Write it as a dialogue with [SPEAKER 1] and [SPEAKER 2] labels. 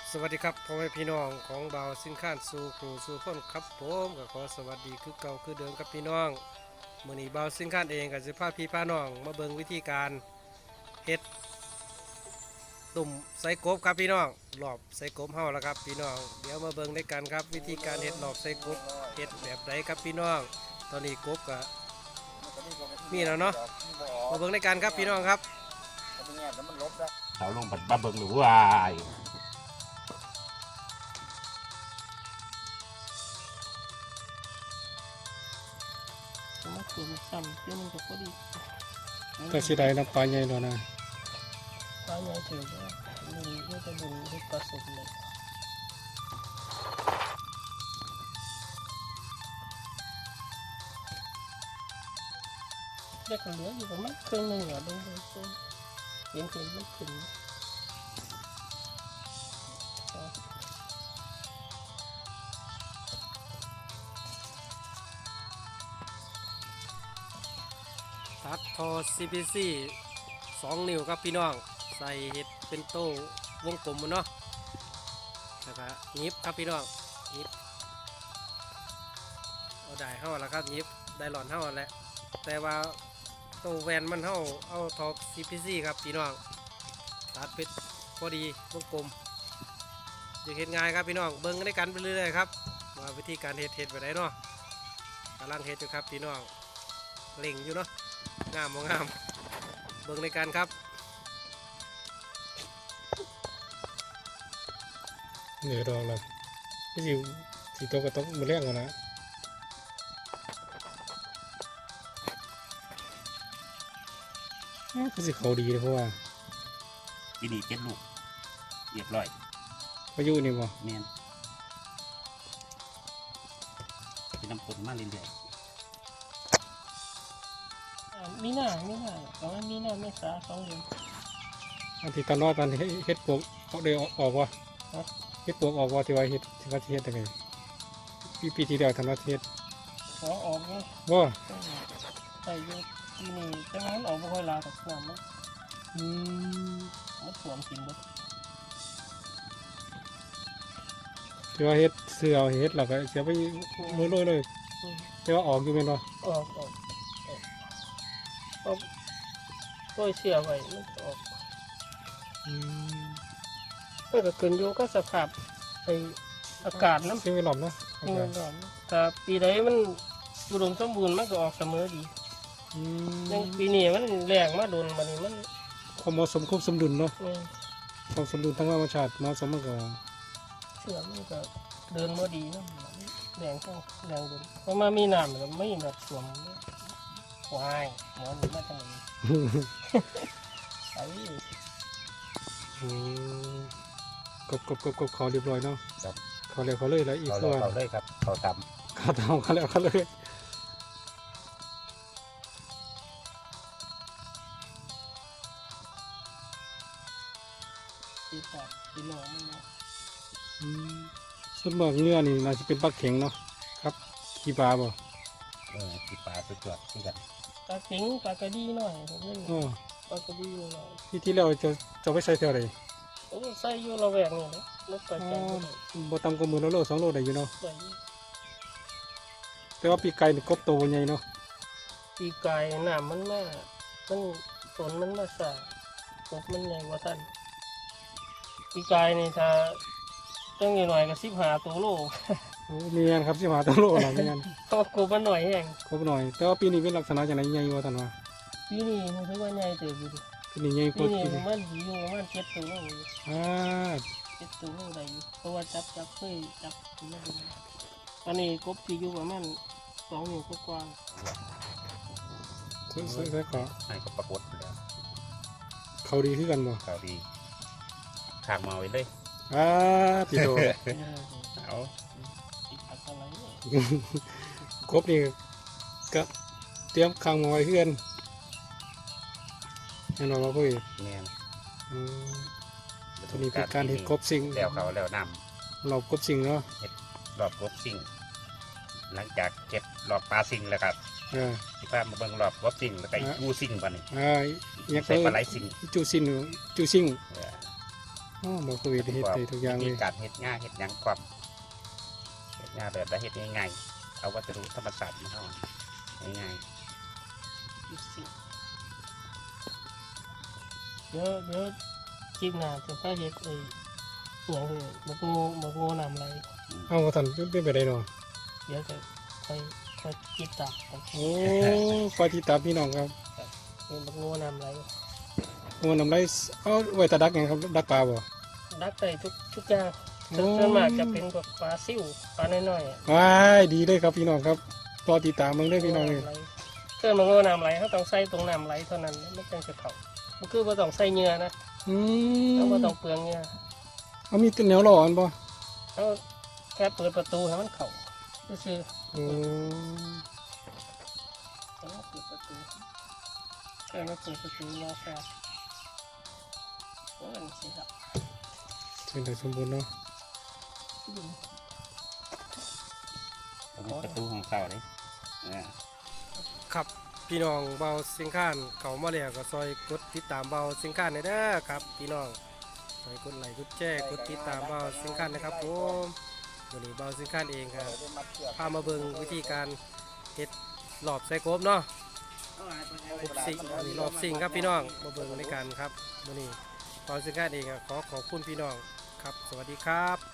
[SPEAKER 1] สวัสดีครับพ่อแม่พี่น้องของเบาสินค้านสู่ผู้สู่คนครับผมก็ขอสวัสดีคือเก่าคือเดิมครับพี่น้องมื้อนี้เบาสินค้านเองก็สิพาพี่พาน้องมาเบิ่งวิธีการเฮ็ดตุ่มใส่กบครับพี่น้องหลอบใส่กบเฮาแล้วครับพี่น้องเดี๋ยวมาเบิ่งด้วยกันครับวิธีการเฮ็ดหลอบใส่กบเฮ็ดแบบใดครับพี่น้องตอนนี้กบก็มีแล้วเนาะมาเบิ่งด้วยกันครับพี่น้องครับ
[SPEAKER 2] เราลงบัดบ้าเบิงหรือว่า
[SPEAKER 3] มาถึงซ้ำเพื่อมันก็พอดี
[SPEAKER 1] ก็สิได้น้ำปลาใหญ่แล้วนะ
[SPEAKER 3] ปลาใหญ่ถือว่ามันจะบุญที่ผสมเลยได้กันเหลืออยู่ประมาณครึ่งหนึ่งอ่ะดูเห็นมันขึ้น
[SPEAKER 1] ตัดทอ CPC 2 นิ้วครับพี่น้องใส่เห็ดเป็นโต้วงกลมเนาะแล้วก็ยิบครับพี่น้องยิบเอาได้เท่าแล้วครับยิบได้หลอนเท่าแล้วแต่ว่าโต้แวนมันเท่าเอาทอ CPC ครับพี่น้องตัดเป็นพอดีวงกลมจะเห็ดง่ายครับพี่น้องเบิ้งได้กันไปเรื่อยๆครับว่าวิธีการเห็ดไปไหนเนาะกำลังเห็ดอยู่ครับพี่น้องเล่งอยู่เนาะงามบ่งามเบิ่งในการครับเหนือดอกแล้วพี่สิโตก็ต้องมาเลี้ยงกันนะก็สิเขาดีเลยเพราะว่า
[SPEAKER 2] ปีนี้เจ็ดลูกเรียบร้อย
[SPEAKER 1] พายุนี่บ่
[SPEAKER 2] แมนเป็นน้ำฝนมาเรื่อย
[SPEAKER 3] มีหน้าประมาณมีหน้าไม่สา2 เดือน
[SPEAKER 1] อันที่ตอนรอดตอนเฮ็ดปวกเอาได้ออกวะเฮ็ดปวกออกวะที่ว่าเฮ็ดที่ว่าเฮ็ดยังไงปีที่แล้วทำว่าเฮ็ด
[SPEAKER 3] ขอออกเนี่ย
[SPEAKER 1] ว่า
[SPEAKER 3] ใส่อยู่ที่นี่แต่ว่ามันออกไม่ค่อยลากับน้ำมันสวมกินหมด
[SPEAKER 1] ที่ว่าเฮ็ดเสื้อเฮ็ดแล้วก็เสียไปโรยๆเลยแต่ว่าออกอยู่แม่นบ่
[SPEAKER 3] ออกก็เสียไว้มันออกมันก็ขึ้นอยู่ก็สภาพไออากาศน้ำ
[SPEAKER 1] สิ่งแวดล้อมเนาะ
[SPEAKER 3] นี่มันร้อนแต่ปีใดมันอุดมสมบูรณ์มันก็ออกเสมอดีอย่างปีนี้มันแรงมาโดนมันนี่มัน
[SPEAKER 1] ความเหมาะสมควบสมดุลเนาะ
[SPEAKER 3] นี่
[SPEAKER 1] ความสมดุลทางธรรมชาติเหมาะสมมันก็
[SPEAKER 3] เชื่อมันก็เดินมาดีนะแรงก็แรงโดนเพราะมามีน้ำมันไม่แบบสวมวายหมอนมาทางนี้ไอ้
[SPEAKER 1] กบเขาเรียบร้อยเนาะ
[SPEAKER 2] ๆครับ
[SPEAKER 1] เขาเลยแล้วอีก
[SPEAKER 2] เขา
[SPEAKER 1] ส่วน
[SPEAKER 2] เลยครับเขาต
[SPEAKER 1] เขาทำเขาแล้วเขาเลย
[SPEAKER 3] ตีปากตีหนองมันเนาะ
[SPEAKER 1] ส่วนมากเนื้อนี่น่าจะเป็นปลาเข็งเนาะครับขี้ปลาบ่
[SPEAKER 2] ำที่ปลาสุดยอดที่กัน
[SPEAKER 3] ปลาเข็งปลากระดีหน่อยผมเล่น
[SPEAKER 1] อ๋อ
[SPEAKER 3] ปลากระดีหน่อย
[SPEAKER 1] ที่เราจะไปใส่เท่าไหร่
[SPEAKER 3] โอ้ใส่อยู่ระแวกนี่นะรถไป
[SPEAKER 1] อ๋
[SPEAKER 3] ใจ
[SPEAKER 1] อบ่ต่ำกว่า10,000 โล2 โลได้อยู่เนาะ
[SPEAKER 3] ใส่
[SPEAKER 1] แต่ว่าปีไก่นี่กบโตใหญ่เนาะ
[SPEAKER 3] ปีกายน้ำมันมามันฝนมันมาสาตกมันใหญ่กว่าท่านปีกายนี่ถ้าจังหน่อยก็15 ตัวโล
[SPEAKER 1] โอ้มีงานครับ15 ตัวโลล่ะมีงาน
[SPEAKER 3] ก็กบมันหน่อยแห้ง
[SPEAKER 1] ครบหน่อย แต่ว่าปีนี้เป็นลักษณะจังได๋ใหญ่ว่าท่านว่า
[SPEAKER 3] ปีนี้มันถือว่าใหญ่เติบอยู่ดิ
[SPEAKER 1] ปีนี้ใหญ่ก
[SPEAKER 3] ปี
[SPEAKER 1] ว่า
[SPEAKER 3] นี้
[SPEAKER 1] ปีนี้
[SPEAKER 3] มันอยู่ประมาณ7 ตัวโลอยู่
[SPEAKER 1] อ่า
[SPEAKER 3] 7 ตัวโลได้อยู่เพราะว่าจับเคยจับมาดูตอนนี้กบที่อยู่ประมาณ2 นิ้วกว่า
[SPEAKER 1] ใส่ก็
[SPEAKER 2] ให้เขาปรากฏแล้ว
[SPEAKER 1] เขาดีคือกันบ่
[SPEAKER 2] เขาดีขางมาไว้เลย
[SPEAKER 1] ติโต
[SPEAKER 3] ๆ
[SPEAKER 2] เอา
[SPEAKER 3] ติดอะไรเนี่ย
[SPEAKER 1] กบนี่ก็เตรียมขังมาไว้เพื่อนแน่นอนว่าพ่อ
[SPEAKER 2] แมน
[SPEAKER 1] ตัวนี้เป็นการเห็ดกบสิง
[SPEAKER 2] แล้วเขาแล้วน
[SPEAKER 1] เรากบสิงเนาะ
[SPEAKER 2] ำรอบกบสิ่งหลังจากเก็บรอบปลาสิ่งแล้วครับ
[SPEAKER 1] อ่า
[SPEAKER 2] ที่พามาเบิ่งรอบกบสิ่งแล้วก็อีกกูสิ่งวันนี้
[SPEAKER 1] เนี่ย
[SPEAKER 2] ใส่ปลาไหลสิ่ง
[SPEAKER 1] จูสิงจูสิง
[SPEAKER 2] เออ
[SPEAKER 1] อ๋อบ่คุยได้เฮ็ดได้ทุกอย่างเล
[SPEAKER 2] วิ
[SPEAKER 1] ย
[SPEAKER 2] ธีการเฮ็ดง่ายเฮ็ดหยังความเฮ็ดง่ายแบบได้เฮ็ดง่ายๆเอาวัสดุธรรมชาติมาเข้าง่าย
[SPEAKER 3] อีกสิเดี๋ยวจิกหน้าจะพาเฮ็ดไอ้อหย่างคือบักโง่น้ำไหล
[SPEAKER 1] เอาท่านเป็นไปได้เนาะ
[SPEAKER 3] เดี๋ยวจะค่อยจิกตามกัน
[SPEAKER 1] โอ้คอยติดตามพี่น้องครับ
[SPEAKER 3] เป็นบักโง่น้ำไหล
[SPEAKER 1] โอ้น้ำไหลเอาไว้ตะดักหยังครับดักปลาบ่
[SPEAKER 3] ดักได้ทุกอย่าง
[SPEAKER 1] โอ้
[SPEAKER 3] ส่วนมากจะเป็นพวกปลาซิ่วปลาน้อยๆ
[SPEAKER 1] ว้ายดีเลยครับพี่น้องครับรอติดตามมึงได้อพี่น้องเลย
[SPEAKER 3] เกิดมาโง่น้ำไหลเขาต้องใส่ตรงน้ำไหลเท่านั้นไม่ต้องจะเผามันคือว่าต้องใส่เหงื่อนะ
[SPEAKER 1] อื
[SPEAKER 3] เขา
[SPEAKER 1] ม
[SPEAKER 3] ก็ต้องเปลืองเหงื่อ
[SPEAKER 1] เอามีแนวหล่ออันบ่
[SPEAKER 3] เขาแค่เปิดประตูให้มันเข้าซื่อ
[SPEAKER 1] โอ้
[SPEAKER 3] ๆต้องเปิดประตูแค่มาเปิดประตูรอแฟนโอ้ยนี่สิครับ
[SPEAKER 1] เชิญได้สมบูรณ์เนาะ
[SPEAKER 2] ๆผมประตูของเขาเลยอ่า
[SPEAKER 1] ครับพี่น้องเบาสิงค้านเขามาแล้วก็ซอยกดติดตามเบาสิงค้านได้เด้อครับพี่น้องซอยกดไลค์กดแชร์กดติดตามเบาสิงค้านนะครับผมวันนี้เบาสิงค้านเองครับพามาเบิ่งวิธีการเฮ็ดหลอบใส่กบเนาะกบสิงอันนี้หลอบสิงครับพี่น้องมาเบิ่งในการครับวันนี้เบาสิงค้านเองก็ขอขอบคุณพี่น้องครับสวัสดีครับ